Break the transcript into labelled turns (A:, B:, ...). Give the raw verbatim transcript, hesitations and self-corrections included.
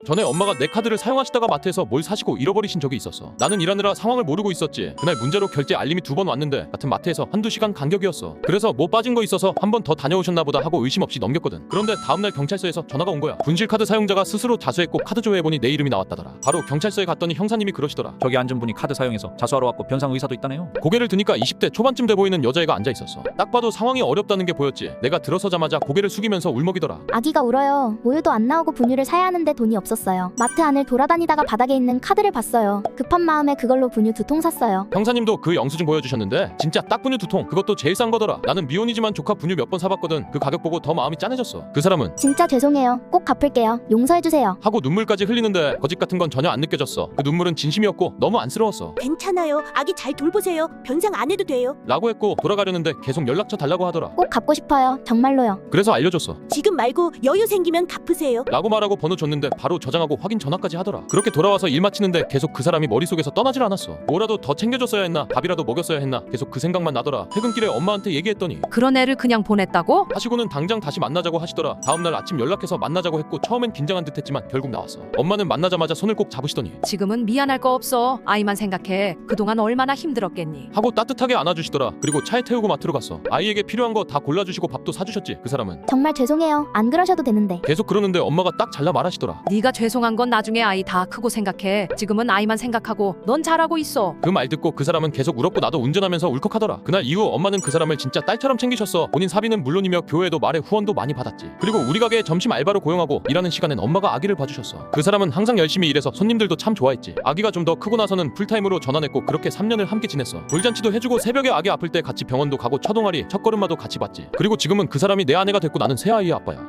A: 전에 엄마가 내 카드를 사용하시다가 마트에서 뭘 사시고 잃어버리신 적이 있었어. 나는 일하느라 상황을 모르고 있었지. 그날 문제로 결제 알림이 두 번 왔는데 같은 마트에서 한두 시간 간격이었어. 그래서 뭐 빠진 거 있어서 한 번 더 다녀오셨나 보다 하고 의심 없이 넘겼거든. 그런데 다음날 경찰서에서 전화가 온 거야. 분실카드 사용자가 스스로 자수했고 카드 조회해보니 내 이름이 나왔다더라. 바로 경찰서에 갔더니 형사님이 그러시더라.
B: 저기 앉은 분이 카드 사용해서 자수하러 왔고 변상 의사도 있다네요.
A: 고개를 드니까 이십 대 초반쯤 돼 보이는 여자애가 앉아있었어. 딱 봐도 상황이 어렵다는 게 보였지. 내가 들어서자마자 고개를 숙이면서 울먹이더라.
C: 아기가 울어요. 모유도 안 나오고 분유를 사야 하는데 돈이 없었어요. 마트 안을 돌아다니다가 바닥에 있는 카드를 봤어요. 급한 마음에 그걸로 분유 두 통 샀어요.
A: 형사님도 그 영수증 보여주셨는데 진짜 딱 분유 두 통, 그것도 제일 싼 거더라. 나는 미혼이지만 조카 분유 몇 번 사봤거든. 그 가격 보고 더 마음이 짠해졌어. 그 사람은
C: 진짜 죄송해요. 꼭 갚을게요. 용서해주세요.
A: 하고 눈물까지 흘리는데 거짓 같은 건 전혀 안 느껴졌어. 그 눈물은 진심이었고 너무 안쓰러웠어.
D: 괜찮아요. 아기 잘 돌보세요. 변상 안 해도 돼요.
A: 라고 했고 돌아가려는데 계속 연락처 달라고 하더라.
C: 꼭 갚고 싶어요. 정말로요.
A: 그래서 알려줬어.
D: 지금 말고 여유 생기면 갚으세요.
A: 라고 말하고 번호 줬는데 바로 저장하고 확인 전화까지 하더라. 그렇게 돌아와서 일 마치는데 계속 그 사람이 머릿속에서 떠나질 않았어. 뭐라도 더 챙겨줬어야 했나, 밥이라도 먹였어야 했나, 계속 그 생각만 나더라. 퇴근길에 엄마한테 얘기했더니
E: 그런 애를 그냥 보냈다고?
A: 하시고는 당장 다시 만나자고 하시더라. 다음날 아침 연락해서 만나자고 했고 처음엔 긴장한 듯 했지만 결국 나왔어. 엄마는 만나자마자 손을 꼭 잡으시더니
E: 지금은 미안할 거 없어. 아이만 생각해. 그동안 얼마나 힘들었겠니?
A: 하고 따뜻하게 안아주시더라. 그리고 차에 태우고 마트로 갔어. 아이에게 필요한 거 다 골라주시고 밥도 사주셨지. 그 사람은
C: 정말 죄송해요. 안 그러셔도 되는데.
A: 계속 그러는데 엄마가 딱 잘라 말하시더라.
E: 네가 죄송한 건 나중에 아이 다 크고 생각해. 지금은 아이만 생각하고 넌 잘하고 있어.
A: 그 말 듣고 그 사람은 계속 울었고 나도 운전하면서 울컥하더라. 그날 이후 엄마는 그 사람을 진짜 딸처럼 챙기셨어. 본인 사비는 물론이며 교회도 말에 후원도 많이 받았지. 그리고 우리 가게에 점심 알바로 고용하고 일하는 시간엔 엄마가 아기를 봐주셨어. 그 사람은 항상 열심히 일해서 손님들도 참 좋아했지. 아기가 좀 더 크고 나서는 풀타임으로 전환했고 그렇게 삼 년을 함께 지냈어. 돌잔치도 해주고 새벽에 아기 아플 때 같이 병원도 가고 첫동아리 첫걸음마도 같이 봤지. 그리고 지금은 그 사람이 내 아내가 됐고 나는 새 아이의 아빠야.